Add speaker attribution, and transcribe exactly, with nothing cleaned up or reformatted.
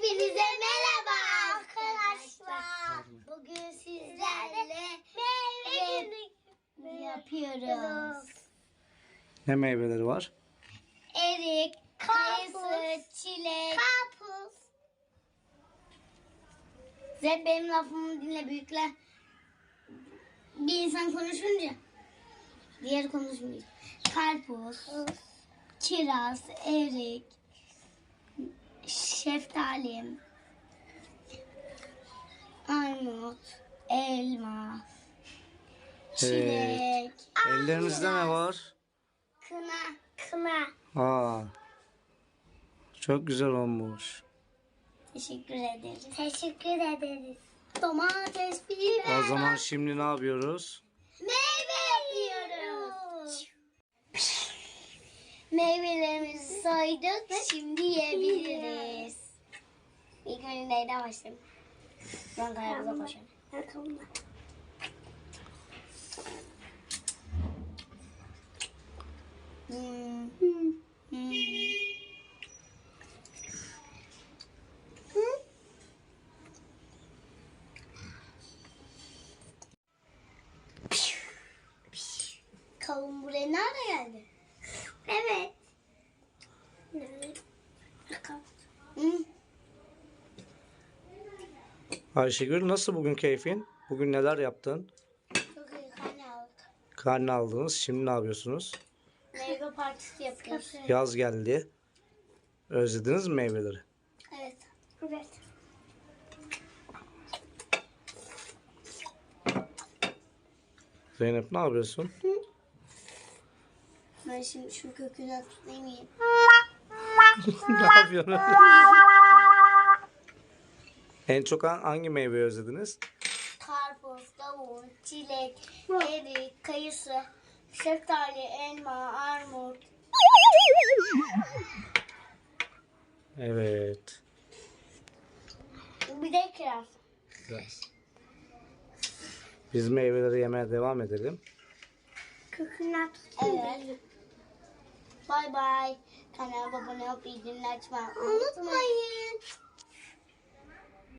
Speaker 1: Hepinize merhaba arkadaşlar. Bugün sizlerle meyve günü yapıyoruz.
Speaker 2: Ne meyveleri var?
Speaker 1: Erik, kayısı, çilek, karpuz. Zed benim lafımı dinle büyükler. Bir insan konuşunca diğer konuşmuyor. Karpuz, kiraz, erik, şeftali, armut, elma, çilek,
Speaker 2: Evet. Ellerinizde ne var?
Speaker 1: kına, kına.
Speaker 2: Aa, çok güzel olmuş.
Speaker 1: Teşekkür ederiz. Teşekkür ederiz. Domates, biber.
Speaker 2: O zaman şimdi ne yapıyoruz?
Speaker 1: Meyve yapıyoruz. Meyvelerimizi soyduk. Şimdi yiyebiliriz. İlk önce neyden başlayalım? Ben kayağımıza koşalım. Hmm. Hmm. Kavun buraya nerede geldi? Evet. Hı.
Speaker 2: Ayşegül, nasıl bugün keyfin? Bugün neler yaptın?
Speaker 1: Çok iyi karne aldık.
Speaker 2: Karne aldınız. Şimdi ne yapıyorsunuz?
Speaker 1: Meyve partisi yapıyoruz.
Speaker 2: Yaz geldi. Özlediniz mi meyveleri?
Speaker 1: Evet. Evet.
Speaker 2: Zeynep, ne yapıyorsun?
Speaker 1: Ben şimdi şu kökünden tutayım yiyeyim.
Speaker 2: Ne yapıyorsun? En çok hangi meyveyi özlediniz?
Speaker 1: Karpuz, kavun, çilek, erik, kayısı, şeftali, elma, armut.
Speaker 2: Evet.
Speaker 1: Bir de kiraz.
Speaker 2: Güzel. Biz meyveleri yemeye devam edelim.
Speaker 1: Kökünden tutayım. Evet. Bay bay. Kanalıma abone olup bildirimleri açmayı unutmayın.